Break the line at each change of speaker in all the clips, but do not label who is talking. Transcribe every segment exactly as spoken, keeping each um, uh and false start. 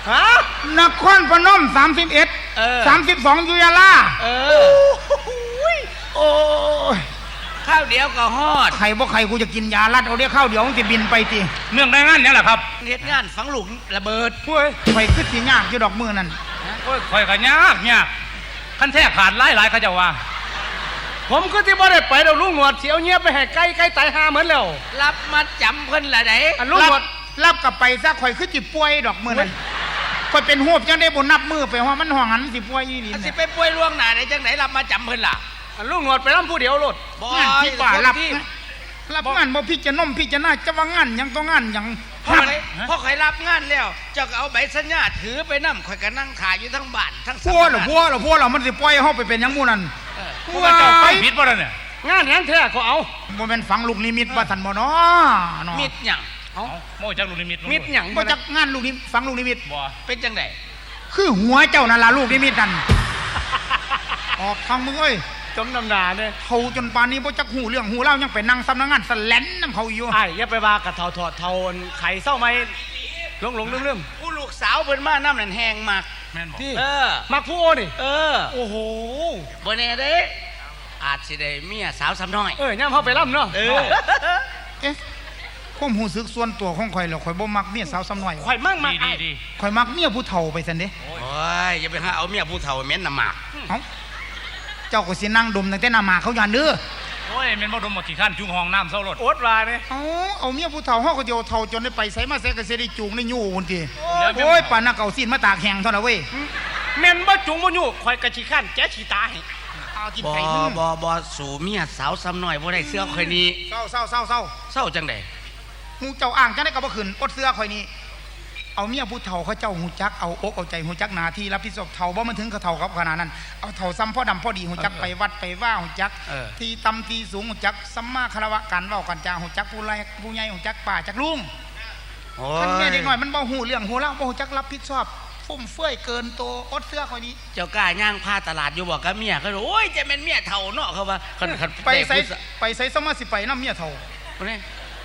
ฮะ
นครพนมสามสิบเอ็ดสามสิบสองยุยาลา
เออ
โอ้ย
ข้าวเดียวก็ฮอด
ใครบ่ใครกูจะกินยาลัดเอาเดี๋ยวข้าวเดียวมันจะบินไปที
เนื่องในงานนี่แหละครับ
เฮ็ดงานฝังหลุมระเบิด
เฮ้ยไฟขึ้นสียากอยู่ดอกมือนั่น
โอ้ยข่อยก็ยากยากขั้นแท้ขาดหลายหลายเขาจะว่า
ผมก็ที่บ่ได้ไปเราลุงหนวดเสียวเงียบไปให้ใกล้ใกล้ตายหาเหมือนแล้วรับมาจำเพิ่นละไหน
ลุงหนวดรับกลับไปซะข่อยขึ้นจิป่วยดอกมือนั่นข่อยเป็นหูบจังได้บนนับมือไปว่ามันห่วงหันสิป่วยอีหลี
สิไปป่วยล่วงหน้าได้จังไหนรับมาจำเพิ่นล่ะลุงหนวดไปรับผู้เดียวโลด
บ่ที่ป่ารับรับงานบ่พี่จะน้มพี่จะน่าจะว่างานยังต้องงานยัง
พอใครพอใครรับงานแล้วเจ้าก็เอาใบสัญญาถือไปนำข่อยก็นั่งขายอยู่ทั้งบ้านทั้ง
พัวหรอพัวหรอพัวหรอมันสิปล่อยเฮาไปเป็นยังมู่นั่น
พัวเจ้าไปผิดบ่ล่ะเนี่ย
งานนั้นแท้เขาเอา
บ่แม่นฝังลูกนิมิตว่าซั่นบ่เนาะ
มิตรหยัง
เอ้าโม่จักลูกนิมิต
มิตรหยัง
บ่จักงานลูกนิมิตฝังลูกนิมิต
บ่
เป็นจังได๋
คือหัวเจ้านั่นล่ะลูกนิมิตนั่นออกทางมึงเอ้ย
จมน้ำหนาเนี่ย
เขาจนป่านนี้บ่จักหูเรื่องหูเล่ายังไปนั่งสำนักงานสแลนน้ำเขาอยู่
ไอ้อย่าไปว่ากระเทาถอดเทาไข่เศร้าไหมหลงหลงเรื่มๆผู้ลูกสาวเพิ่นมาน้ำนั่นแห้งมาก
แม่นบ่
เออมักผู้โอนี่เออ
โอ้โห
บ่แน่เด้อาจสิได้เมียสาวซ้ำน้อย
เออย่ำเฮาไปล่ำเนาะเออเอ๊ะความรู้สึกส่วนตัวของข่อยแล้วข่อยบ่มักเมียสาวซ้ำน้อย
ข่อยมั่งมัก
ดี
ๆข่อยมักเมียผู้เฒ่าไปซั่นเด้
โอ้ยอย่าไปหาเอาเมียผู้เฒ่าเหม็นน้ำหมาก
เอ้าเจ้าก็สินั่งดมตั้งแต่หน้าหมาเขาย่านเด้อ
โอ้ยแม่นบ่ดมบ่ขี้ข้านจุงห้องน้ำเซารถ
โอดว่าเนี่ย
เอาเอาเมียผู้เฒ่าเฮาก็เดียวเฒ่าจนได้ไปไสมาไสก็สิได้จูงได้ยู่พุ่นติโอ้ยปานน่ะเก่าซีนมาตากแห้งเท่านั้นเว้ย
แม่นบ่จุงบ่ยู่ข่อยก็ขี้ข้านแจ๊ขี้ตาให้
เอากิน
ไก่บ่บ่บ่สู่เมียสาวซ้ำน้อยบ่ได้เสื้อข่อยนี้
เศร้าเศร้าเศร้าเศร้า
เศร้าจังได๋
ฮู้เจ้าอ้างจังได๋ก็บ่ขึ้นอดเสื้อข่อยนี้เอาเมียผู้เฒ่าเขาเจ้าหูจักเอาอกเอาใจหูจักหน้าที่รับผิดชอบเฒ่าบ่มันถึงเขาเฒ่าครับขนาดนั้นเอาเฒ่าซ้ำพ่อดำพ่อดีหูจักไปวัดไปว่าหูจักที่ต่ำที่สูงหูจักสัมมาคารวะกันเว้ากันจาหูจักผู้ใหญ่ผู้ใหญ่หูจักป่าจักลุงคันแม่เด็กน้อยมันบ่ฮู้เรื่องฮู้เล่าบ่ฮู้จักรับผิดชอบฟุ่มเฟื่อยเกินโตอดเสื้อข่อยนี้
เจ้ากล้าย่างผ้าตลาดอยู่บ่กับเมียเขาโอ้ยจะเป็นเมียเฒ่าเนาะเขาว่าคันคัน
ไปไสไปไสสมาสิไปนำเมียเฒ่า
นี่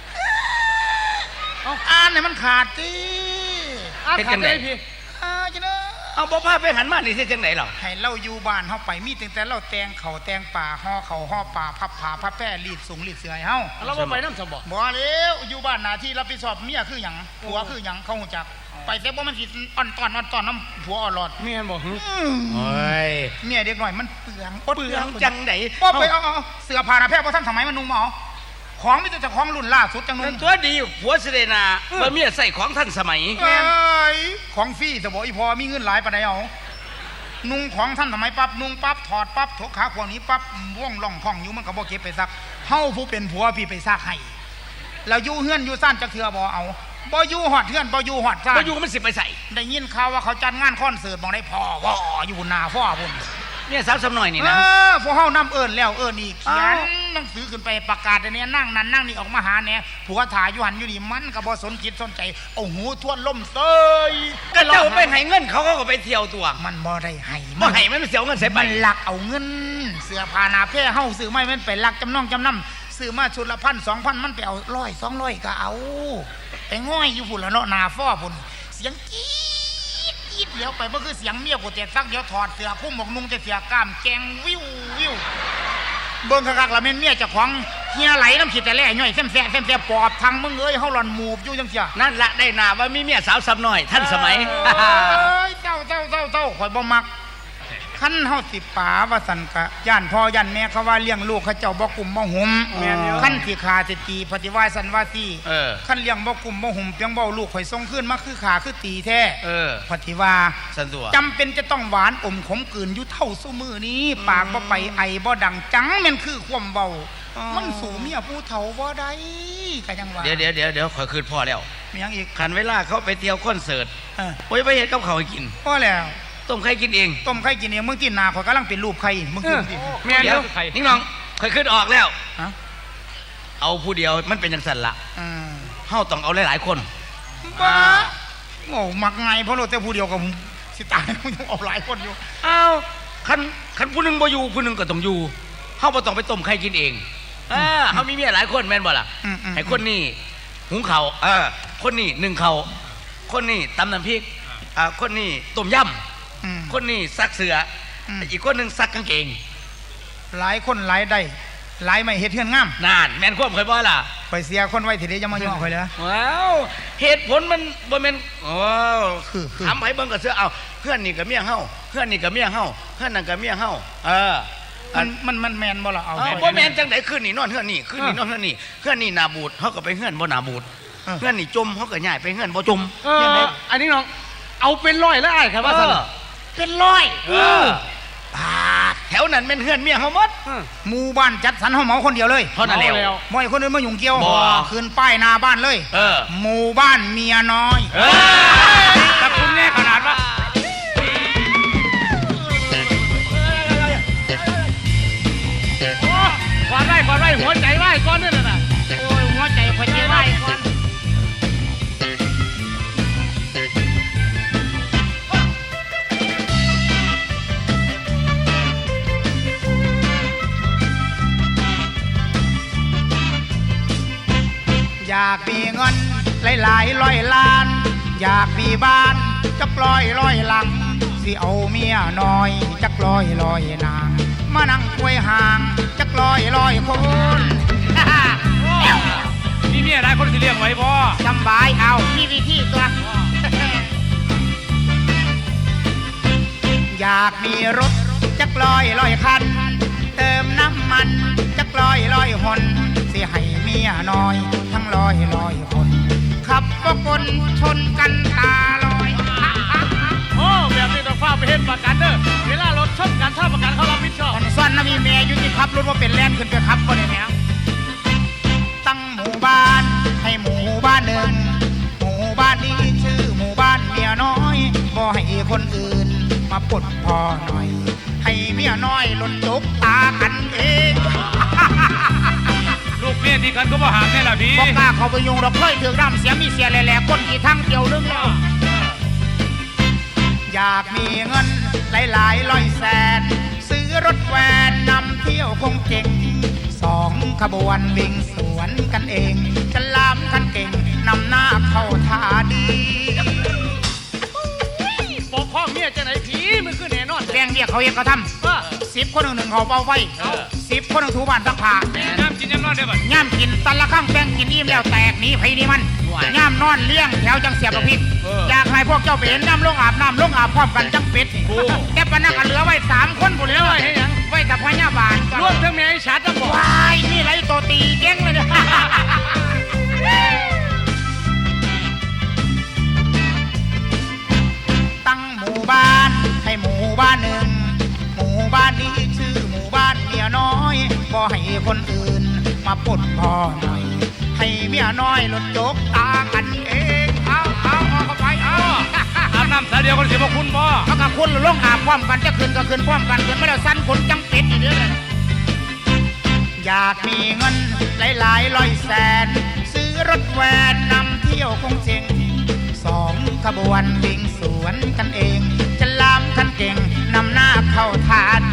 เอาอ่านให้มันขาดติ
เป็นจังได๋พี่
อ่าจังได๋
เอาบ่พาไปหันมานี่สิจังได๋หรอ
ให้เราอยู่บ้านเฮาไปมีตั้งแต่เราแต่งเขาแต่งป่าห่อเขาห่อป่าพับผ้าพับแป้รีดสูงรีดเสื้อให้เฮา
เราบ่ไปนำซะบ่
บ่แล้วอยู่บ้านหน้าที่รับผิดชอบเมียคือหยังผัวคือหยังเขาฮู้จักไปแต่บ่มันสิอ่อนตอนอ่อนตอนน้ำผัวอ่อนหลอด
เมียบ่ฮึโอ้ย
เมียเด็กน้อยมันเปลือง
เปลืองจังได๋
บ่ไปเอาเสื้อผ้าหน้าแพร่บ่ทันสมัยมันนุ่งบ่เอาของมีแต่เจ้าของรุ่นล่าสุดจังนุ่
งตัวดีผัวสิได้น่ะบ่เมียใส่ของทันสมัย
แม่นของฟรีซะบ่อีพอมีเงินหลายปานใดเอานุ่งของท่านทำไมปั๊บนุ่งปั๊บถอดปั๊บถกขาขวานี้ปั๊บว่องล่องพ่องอยู่มันก็บ่เก็บไปซักเฮาผู้เป็นผัวพี่ไปซักให้แล้วอยู่เฮือนอยู่ซ่านจักเทื่อบ่เอาบ่อยู่ฮอดเฮือนบ่อยู่ฮอดซ่าน
บ่อยู่มันสิไปใส่
ได้ยินข่าวว่าเขาจัดงานคอนเสิร์ตบ่ได้พ่อว่ออยู่หน้าฟ้าพุ่น
เนี่ยสาวซ้ำน้อยนี่นะ
เออพวกเฮานำเอิ้นแล้วเอิ้นอีกเขียนหนังสือขึ้นไปประกาศอันนี้นั่งนั่นนั่งนี่ออกมาหาแหน่ผัวถ่ายอยู่หันอยู่นี่มันก็บ่สนจิตสนใจเอาหูทวนลมเซย
ก็เจ้าไปให้เงินเขาเขาก็ไปเที่ยวตัว
มันบ่ได้ให้
บ่ให้มันเสียเงินใส่ไป
มันลักเอาเงินเสื้อผ้าหน้าแพร่เฮาซื้อไม่มันไปลักจำนองจำนำซื้อมาชุดละพันสองพันมันไปเอาร้อยสองร้อยก็เอาไปง่อยอยู่พุ่นละเนาะหน้าฟ้าพุ่นเสียงจี๊ดจี๊ดเดี๋ยวไปบ่คือเสียงเมียกูแต่ซักเดี๋ยวถอดเสื้อคุ้มหมวกนุ่งแต่เสื้อกล้ามแกงวิววิวเบิ่งคักๆละแม่นเมียเจ้าของเฮียไหลน้ำขี้แต่แล่ย่อยแซ่บๆแซ่บๆปอบทางมึงเอ้ยเฮาหล่อนหมูบอยู่จังซี่
นั่นละได้หน้าว่ามีเมียสาวซ้ำน้อยทันสมัย
เอ้ยเจ้าเจ้าเจ้าเจ้าข่อยบ่มักคันเฮาสิป๋าว่าซั่นกะย่านพ่อย่านแม่เขาว่าเลี้ยงลูกเขาเจ้าบ่กุมบ่หุมคันสิขาสิตีปฏิวัติสันว่าซี่คันเลี้ยงบ่กุมบ่หุมเพียงเว้าลูกข่อยส่งคืนมาคือขาคือตีแท้
เออ
ปฏิว่า
ซั่นตัว
จำเป็นจะต้องหวานอมขมกลืนอยู่เท่าซุมื้อนี้ปากบ่ไปไอบ่ดังจังแม่นคือความเว้ามันสู่เมียผู้เฒ่าบ่ได้ก็จังว่า
เดี๋ยวเดี๋ยวเดี๋ยวเดี๋ยวข่อยคืนพ่อแล้ว
มีหยังอีก
คันเวลาเขาไปเที่ยวคอนเสิร์ตเออโอ้ยไปเฮ็ดกับเขาให้กิน
พอแล้ว
ต้มไข่กินเอง
ต้มไข่กินเองมึงกินนาข่อยกำลังเป็นรูปไข่มึงกินดิ
แม่เดี๋ยวนิ่งน้องข่อยขึ้นออกแล้วเอาผู้เดียวมันเป็นจังซั่นล่ะเฮาต้องเอาหลายๆคน
บ้าโง่มักไงเพราะเราแต่ผู้เดียวกับสิตายมึงต้องเอาหลายคนอยู่
อ้าวคันคันผู้นึงบ่อยู่ผู้นึงก็ต้องอยู่เฮาบ่ต้องไปต้มไข่กินเองอ่าเฮามีเมียหลายคนแม่นบ่ล่ะให้คนนี้หุงข้าวเออคนนี้นึ่งข้าวคนนี้ตำน้ำพริกอ่าคนนี้ต้มย
อืม
ำคนนี้ซักเสืออ
ม
อีกคนหนึ่งซักกางเกง
หลายคนหลายได้หลายไม่เฮ็ดเฮือนงาม
นานแม่นควบเคยบ่ล่ะ
ไปเสียคนไว้ทีเดียวจะมาย่อข่อยเลย
ว้าวเหตุผลมันบ่แม่นอ๋อ
คือคือ
ทำให้เบิ่งกับเสือเอาเพื่อนนี่กับเมียเฮาเพื่อนนี่กับเมียเฮาเพื่อนนั่นกับเมียเฮาเออ
มันมันมันแมนบ่ล่ะเอา
เอา
ข่อย
บ่แม่นจังได๋คืนนี่นอนเฮือนนี่คืนนี่นอนเฮือนนี่เฮือนนี่นาบูดเฮาก็ไปเฮือนบ่นาบูด
เออ
เฮือนนี่จมเฮาก็ย้ายไปเฮือนบ่จม
เอออันนี้น้องเอาเป็นร้อยแล้วไอ้ครับว่า
เอ
ซั่น
อ
เป็นร้อย
เออปาดแถวนั้นแม่นเฮือนเมียเฮาหมด
หมู่บ้านจัดสรรเฮาเหมาคนเดียวเลย
เท่านั้นแล้ว
บ่ให้คนอื่นมายุ่งเกี่ยว
บ่
คืนป้ายหน้าบ้านเลย
เออ
หมู่บ้านเมียน้อย
เออ
แต่คุณแน่ขนาดว่าโอ้ก่อนไว้ก่อนไว้หัวใจไว้ก่อนนี่น่ะนะ
โอ้ยหัวใจข่อยใจไว้ก่อนอยากมีเงินหลายๆร้อยล้าน อยากมีบ้านจักร้อยร้อยหลัง สิเอาเมียน้อยจักร้อยร้อยนาง มานั่งควยห่างจักร้อยร้อยคน
นี่เนี่ยได้คนสิเลี้ยงไว้บ่
จำบายเอามีวิธีตัว อยากมีรถจักร้อยร้อยคัน เติมน้ำมันจักร้อยร้อยหนสิให้เมียน้อย ทั้งร้อยร้อยคน ขับก็คนชนกันตาลอย
โอ้แบบนี้ต้องฟ้าไปเฮ็ดประกันเด้อเวลารถชนกันถ้าประกันเขารับผิดชอบ
คนซ่อนนะมีเมียอยู่ที่ขับรถว่าเป็นแล่นขึ้นไปขับก็ได้แม่ตั้งหมู่บ้านให้หมู่บ้านหนึ่งหมู่บ้านนี้ชื่อหมู่บ้านเมียน้อยบ่ให้คนอื่นมาปลดพอหน่อย ให้เมียน้อยหล่นจกตากันเอง
ลูกเมียที่กันก็บ่หามแน่ล่ะพี่
บอกกล้าเขาไปยุงเราเคยถือร่ำเสียมีเสียแหล่ๆคนกี่ทั้งเดียวนึงแล้วอยากมีเงินหลายๆร้อยแสน ซื้อรถแวนนำเที่ยวคงเก่งสองขบวนวิ่งสวนกันเองจะลามกันเก่งนำหน้าเข้าท่าดี
ปกข้องเมียจะไหนผีมันคือแน่นอน
แรงเรียกเขาเองเขาท
ว่า
ำสิบคนหนึ่งหนึ่งเขาเป่าไฟ
เออ
สิบคนหนึ่งถูบ้านซักผ้า
น้ำกินน้ำนอนได้บ่
ย่ามกินตันละข้างแป้งกินอิ่มแล้วแตกหนีไผนี่มันย่ามนอนเลี้ยงแถวจังเสียบกับพริกอยากให้พวกเจ้าไปเห็นน้ำลงอาบน้ำลงอาบพร้อมกันจังเป็ดแต่ปะนักกันเหลือไว้สามคนบุญเลยไว้ให้ยังไว้แต่พญาบาล
รวมทั้งเมียไอ้ชัดทั้งบ่
วายนี่ไรตัวตีเก่งเลยเนี่ย ตั้งหมู่บ้านให้หมู่บ้านหนึ่งหมู่บ้านนี้ชื่อหมู่บ้านเมียน้อยบ่ให้คนอื่นมาปลดพ่อหน่อย ให้เมียน้อยหลดจกตากันเองเอาเอาเอาเข้าไปเอา
อาบน้ำสายเดียวกันสิบ่คุณบ่
เขากับคุณลงอาบพร้อมกันจะคืนก็คืนพร้อมกันคืนไม่ได้สั้นผลจังเป็ดอีกเด้ออยากมีเงินหลายๆร้อยแสน ซื้อรถแวนนำเที่ยวคงเจ๋งสองขบวนวิ่งสวนกันเอง จะลามกันเก่งนำหน้าเข้าท่าดี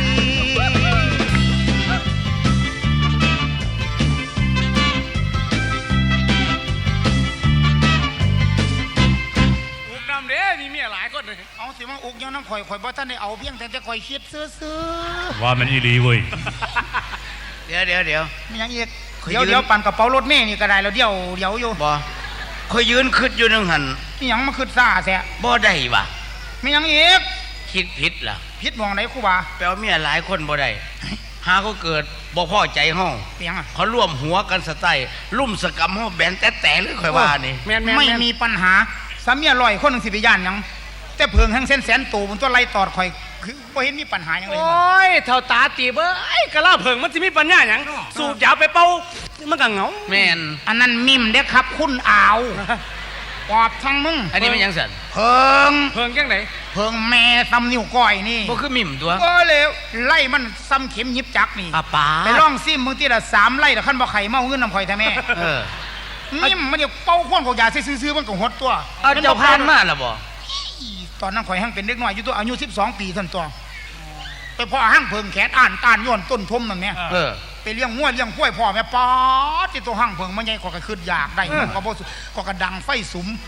อุกน้ำเด้มีเมียหลายคนเลย
เอาสิมาอุกยังน้ำข่อยข่อยบ่ท่านได้เอาเพียงแต่จะข่อยคิดซื้อ
ว่ามันอีหลีเว้ย
เดี๋ยวเดี๋ยวเดี๋ยว
ๆมีหยังอีก
ข่อย
เดี๋ยว
ยืน
เดี๋ยวปั่นกระเป๋ารถเมล์นี่ก็ได้แล้วเดี๋ยวเดี๋ยวอยู่
บ่คอยยืนคิดอยู่นึงหัน
มีหยังมาคืดซ่าแท้
บ่ได้ว่ะ
มีหยังอีก
คิดผิดล่ะ
พิษมองไหนครูบา
แปลว่าเมียหลายคนบ่ได้หาเขาเกิดบ่พอใจห้อง
เปียงอ่ะ
เขาร่วมหัวกันสไตล์ลุ่มสกรรมห้องแบนแต่แต่เลยค่อยว่านี่
แม่นแม่น
ไม่มีปัญหาสามีอร่อยคนหนึ่งสิไปย่านหยังแต่เพิงแห่งเส้นแสนตูบนตัวไล่ตอดข่อยคือบ่เห็นมีปัญหาหยังเลย
โอ้ยเท่าตาตีเบ้ยกะลาเผิงมันสิมีปัญญาหยังสูบยาไปเป่ามันก็เหงา
แม่น
อันนั้นมิมเด้อครับ คุณอาวปอบทั้งมึง
อันนี้มันหยังสั่น
เพิง
เผิงจังได
เพิงแม่ซ้ำนิ้วก้อยนี่
บ่คือมิ่มตัว
ก็เลยไล่มันซ้ำเข็มยิบจักนี่
ป้าป๋า
ไปล่องซิมมึงทีละสามไล่แต่ขั้นบ่ไข่เมาเงินน้ำข่อยแท้แม่
เออ
นิ่มมันเดี๋ยวเป้าข้วนของยาซื้อๆมันก็หดตัว
เอาเจ้าพานมาแล้วบ่
ตอนนั้นข่อยหั่งเป็นเด็กน้อยอยู่ตัวอายุสิบสองปีท่านตัวไปพ่อหั่งเพิงแขนอ่านตานย้อนต้นทมนั่นเนี่ย
เออ
ไปเลี้ยงงัวเลี้ยงกล้วยพ่อแม่ป๊อดที่ตัวหั่งเพิงมันใหญ่กว่าก็ขึ้นอยากได้มันก็บ่สุก็กระดังไฟสุม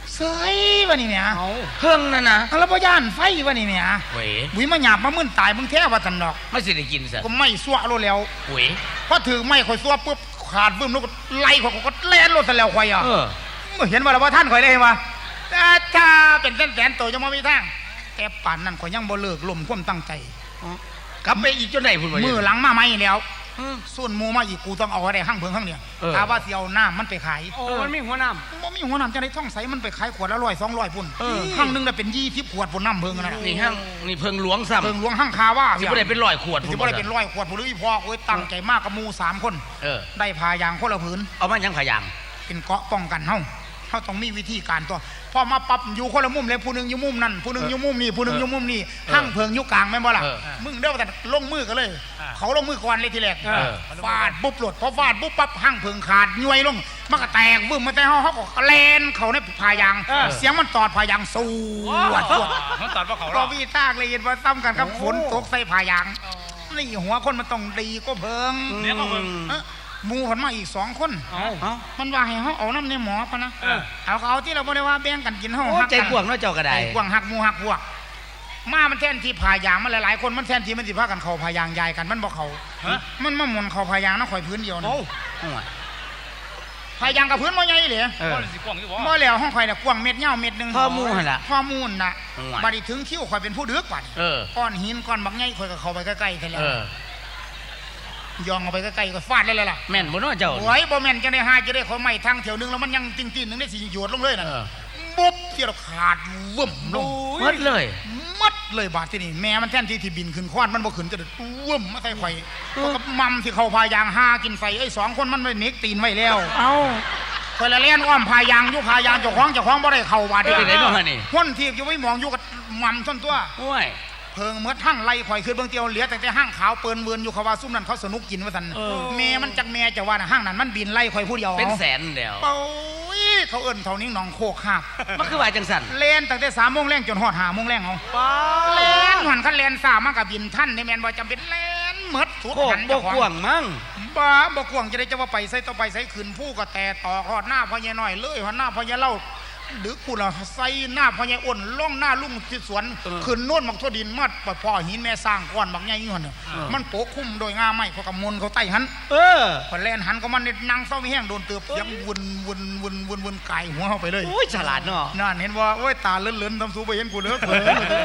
เสยวะนี่เนี่ย
เอา
เพิ่งนั่นนะ
แล้วบ่ย่านไฟวะนี่เนี่ย
เว้ย
บุยมาหยาบมามึนตายมึงแท้ว่าตันดอก
ไม่สิได้กินซะ
ก็ไม่สั่วโลดแล้ว
เว้ย
พอถือไม่ข่อยสั่วปุ๊บขาดบึ้มแล้วก็ไล่ข่อยก็แล่นโลดซะแล้วข่อยอ่ะ
เออ
มึงเห็นว่าแล้วว่าท่านข่อยได้เห็นว่าถ้าเป็นแสนๆตัวยังบ่มีทางแต่ป่านนั้นข่อยยังบ่เลิกลมความตั้งใจ
กลับไปอีกจนไหนพุ่นวะ
มือหลังมาไม่แล้ว
อืม
ส่วนหมูมาอีกกูต้องเอาอะไรห้างเพิงห้างเนี่ย
เออ
ถ้าว่าเสียวน้ำมันไปขาย
โอ้มันมีหัวน้
บ่มีหัวน้ำจะได้ท่องใสมันไปขายขวดละร้อยสองร้อยพุ่น
เออ
ห้างหนึงได้เป็นยี่สิบขวดพุ่นน้ำเพิงนะ
นี่ห้างนี่เพิ่งหลวงซ้ำ
เพิงหลวงห้างคาว่า
สิบ่ได้เป็นร้อยขวด
สิบ่ได้เป็นร้อยขวดพุ่นหรืออีพอโอ้ยตั้งใจมากกับหมูสามคน
เออ
ได้พายางคนละผืน
เอามายังพยาง
เป็นเกราะป้องกันเฮาเฮาต้องมีวิธีการตัวพอมาปรับอยู่คนละมุมเลยผู้หนึงอยู่มุมนั่นผู้หนึงอยู่มุมนี่ผู้หนึงอยู่มุมนี่ห้างเพิงอยู่กลางแม่นบ่ล่ะ
เออ
มึงเด้อแต่ลงมือกันเลย เขาลงมือก่อนเลยทีแรก
เออ
ฟาดปุ๊บหลดพอฟาดปุ๊บปั๊บห้างเพิงขาดย่วยลงมันก็แตกบึ้มมาแต่เฮาเฮาก็แลนเขาในพายาง เสียงมันตอดพายางสู้วดวด
ำมันตัดว่าเขา
ก็วีตากเลยเห็นว่าซ้ำกันกับฝนตกใส่พายางนี่หัวคนมันต้องดีก็เพิง
เดี๋ยวก็เพิ่ง
เอ้อหมูผลมาอีกสองคน
เอา
เอ้า
มันว่าให้เขาเอาน้ำในหมอพะนะ
เออ
เอาเขาเอาที่เราบ่ได้ว่าแบ่งกันกินเฮา
โอ้
หัก
ใจกว้างเนาะเจ้าก็ได้
ใจกว้างหักหมูหักพวกมามันแทนที่พายางมันหลายๆคนมันแทนที่มันสิพากันเข้าพายางยายกันมันบ่เข้า
ฮะ
มันมาหมุนเข้าพายางนะข่อยพื้นเดียวนะ
โอ้
โอ้ย
พายางกับพื้นบ่ใหญ่เลย
เออ
ก็สิกว้างอยู่บ่
บ่แล้วห้องข่อยน่ะกว้างเม็ดยาวเม็ดหนึง
พ่อหมู่หั่นล่ะ
พ่อมูนน่ะ
โอ้ย
บัดนี้ถึงคิวข่อยเป็นผู้ดึกบัด
เออ
ก้อนหินก้อนบักใหญ่ข่อยก็เข้าไปใกล้ๆแท้แล้
เอ
ว
อ
ย่องเอาไปใกล้ๆก็ฟาดเลยล่ะ
แม่นบ่เนาะเจ้า
โอ้ยบ่แม่นจะได้หาจะได้ขอไม้ทางแถวนึงแล้วมันยังติ้นๆนึงได้สิหยวดลงเลยน่ะ
เออ
ปุ๊บเที่ยวขาดวึ่มลง
หมดเลย
มัดเลยบาดที่นี่แม่มันแท่นที่ที่บินขึ้นควานมันบ่ขึ้นจะวึ่มมาใส่ไข่เพราะกับมัมที่เขาพายางหากินไฟไอ้สองคนมันไม่เน็กตีนไว้แล้ว
เอ้า
คอยละเล่นอ้อมพายางอยู่พายางเจ้าของเจ้าของบ่ได้เข้าบาด
เป็นไงเนาะฮะนี่
ห้นทีบอยู่ไว้มองอยู่กับมัมส้นตัว
โอ้ย
เพิงเมื่อทั้งไล่ข่อยขึ้นเบื้องเตียวเหลือแต่แต่ห้างขาวเปิ้นเวินอยู่เขาว่าซุ่มนั้นเขาสนุกกินว่าซั่น
เออ
แม่มันจักแม่จะว่าน่ะห้างนั้นมันบินไล่ข่อยผู้เดียว
เป็นแสนเดียว
โอ้ยเขาเอิ้นเท่านี้หนองโคกคาบ
มันคือว่าจังสัน
เล่นตั้งแต่สามโมงแรงจนฮอดห้าโมงแรงเอา
ป้า
เล่นหันคันเล่นสามมันก็บินท่านในแม่นบ่จำเป็นเล่นหมดสุด
โคก
หัน
บ่
เจ้าของ
กว้างมั้ง
บ้าบ่กวางจะได้จะว่าไปใส่ต่อไปใส่ขืนผู้ก็แต่ต่อฮอดหน้าพ่อใหญ่น้อยเลยฮอดหน้าพ่อใหญ่เล่าดึกคุณล่ะใส่หน้าพ่อใหญ่อ้นล่องหน้าลุงที่สวนขึ้นโน่นมักทั่วดินมัดปพ่อหินแม่สร้างก้อนบักใหญ่อยู่หั่นน่ะมันโปะคุ้มโดยงาไม้เขากำมลเขาใต้หัน
เออ
พอแล่นหันก็มันนี่นั่งเศร้าไม่แห้งโดนเตือบเสียงวนวนวนวนวนไก่หัวเข้าไปเลย
โอ้ยฉลาดเนาะ
นั่นเห็นว่าโอ้ยตาเลื่อนๆทำสูไปเห็นกูเด้อเผลอ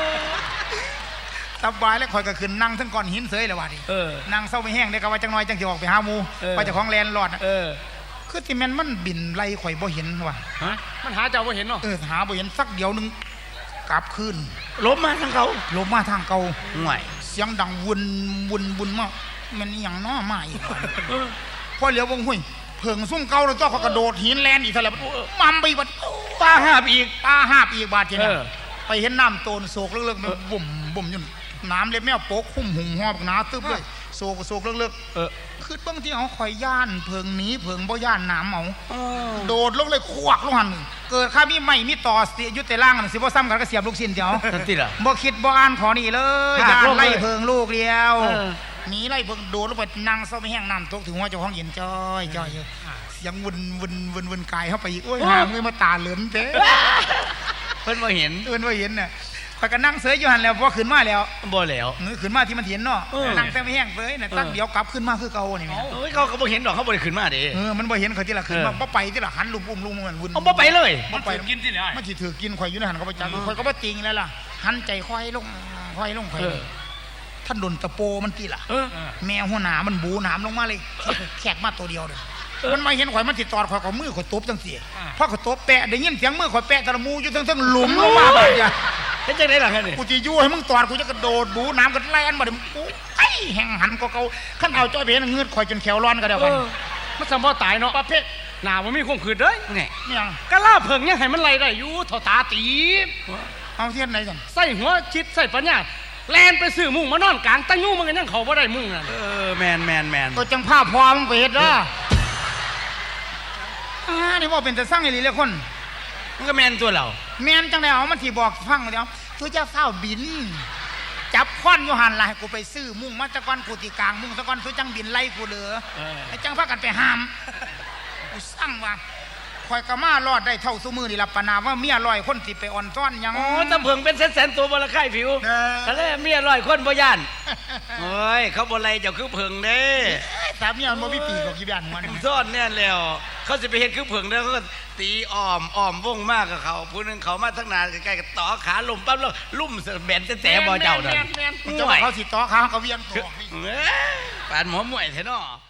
สบายแล้วคอยก็ขึ้นนั่งทั้งก้อนหินเสยเลยว่าดิ
เออ
นั่งเศร้าไม่แห้งได้ก็ว่าจังน้อยจังสิออกไปหาหมู
เออ
ไปเจ้าของแลนด์รอดน่ะ
เออ
คือที่แม่นมันบินไล่ข่อยบ่เห็นว่ะ
ฮะ
มันหาเจ้าบ่เห็นเนาะ
เออหาบ่เห็นสักเดียวหนึงกลับคืน
ลบมาทั้งเขา
ลงมาทางเก่า
ห่วย
เสียงดังวนวนวนมามันอหย่างน้อมาอีกว่ะพอเหลียววงหุ้ยเพิงซุ่มเก่าแล้วตัวเขากระโดดหินแลนอีกเท่าไหร่มัมไปบัด
ตาหาบอีก
ตาหาบอีกบาดทีนี้
เออ
ไปเห็นน้ำโตนโศกเลิกๆมันบุ่มบุ่มอยู่น้ำเล็บแมวโป๊กคุ้มหุ่มหอบหนาตึ๊บเลยโศกโศกเลิก
เออ
ๆคือเบางที่เขาคอยย่านเพิงหนี้เพิงบ่ย่านน้ำเอา
เออ
โดดลงเลยควักลงหันเกิดข้ามีไม่มีต่อเสียยุติล่างนั่นสิบ่ซ้ำกันก็เสียบลูกชิ้นเดียว
ทันทีล่ะ
บ่คิดบ่อ่านขอนี่เลย
หัก
ย่าน
ลงเลย
ไล่เพิงลูกเดียว
เออ
หนีไล่เพิงโดดลงไปนั่งเศร้าไม่แห้งน้ำตกถึงว่าเจ้าของเย็นจ้อยจ้อยอยู่เสียงวนวนวนวนกายเข้าไปอีกโอ้ยหางเลยมาตาเหลือนเด้
เพิ่นบ่เห็น
เอิ้นว่าเห็นน่ะข่อยก็นั่งเสยอยู่หันแล้วพอขึ้นมาแล้ว
บ่แล้ว
มือขึ้นมาที่มันเห็นเนาะ
เออ
นั่งแต่ไม่แห้งเสยน่ะ
เออ
ตักเดียวกลับขึ้นมาคือเก่านี่แม่
โอ้ยเขาก็บ่เห็นดอกเขาบ่ได้ขึ้นมาเด้
เออมันบ่เห็นข่อยที่ละขึ้นมา
เออ
บ่ไปที่ละหันลุมอุ้มลุมมันวุ่น
เอาบ่ไปเลย
มันถูกกินที่ไหน
มันสิถือกินข่อยอยู่ในหันก็บ่จักข่อยก็บ่จริงแล้วล่ะหันใจค่อยลงค่อยลงค่อย
เอ
ล
อง
ท่านโดนตะโปมันตีล่ะ
เออ
แมวหัวหนามันบูหนามลงมาเลยแขกมาตัวเดียวเลยมันมาเห็นข่อยมันสิตอดข่อยก็มือข่อยตบจังซี่พอข่อยตบแปะได้ยินเสียงมือข่อยแปะตะละมูอยู่ทั้งๆหลุมลงมาบาดเนี่ย
เฮ็ดจังได๋ล่ะฮะนี่
กูจะยู่ให้มึงตอดกูจะกระโดดบูน้ำกันแล่นมาเดี๋ยวมึงกูไอ้แห่งหันก็เกาขั้นเอาจ้อยเพนเงือดข่อยจนแขวร้อนก็เดียว
เอ
กัน
อมันสมบ่ตายเนาะ
ประเภท
หน้าบ่มีความขืดเด้ย
ไง
เนี่ย
กะล่าเพิ่งยังให้มันไล่ได้อยู่เท่าตาตีบ
เอาเทียนไหนกัน
ใส่หัวชิดใส่ปัญญาแลนไปซื้อมุ้งมานอนกลางตั้งยู่มันก็ยังเข้าบ่ได้มุ้งนั่น
เออแมนแมนแมน
ตัวจังผ้าพอมึงไปเฮ็ดเด้ออ่านี่ว่าเป็นแต่สร้างอีหลีเลยคน
มันก็แมนตัวเรา
แม่นจังได๋เอามันสิบอกฟังเดี๋ยวตัวเจ้าเฝ้าบิน จับค้อนอยู่หันล่ะให้กูไปซื้อมุ้งมาตะกอนกูตีกลางมุ้งตะกอนตัวจังบินไล่กูเหลือ
เออ
ไอ้จังพากันไปห้ามกูสั่งว่าคอยกะมารอดได้เท่าซุมือนี่ล่ะปะนาว่าเมียร้อยคนสิไปอ่อนซ้อนหยัง
โอ้ตะเพิงเป็นแสนๆตัวบ่ละไข่ผิว
เออ
ทะเลเมียร้อยคนบ่ย่านโอ้ยเขาบ่ไล่เจ้าคือเพิงเด้
สามีมันบ่มีปีกหรอกกี่บ้านมัน
ซ่อนแน่นแล้ว เขาสิไปเฮ็ดคือเพิงเด้อเขาก็ตีอ้อมอ้อมวงมากกับเขาผู้หนึงเขามาทั้งนานใกล้ๆก็ต่อขาลมปั๊บแล้วลุ่มแบนแต่ๆบ่เจ้านั่น
เจ้าว่าเขาสิต่อขาเขาก็เวียงตัว
เอ้ยปานหมอมวยแท้เนาะ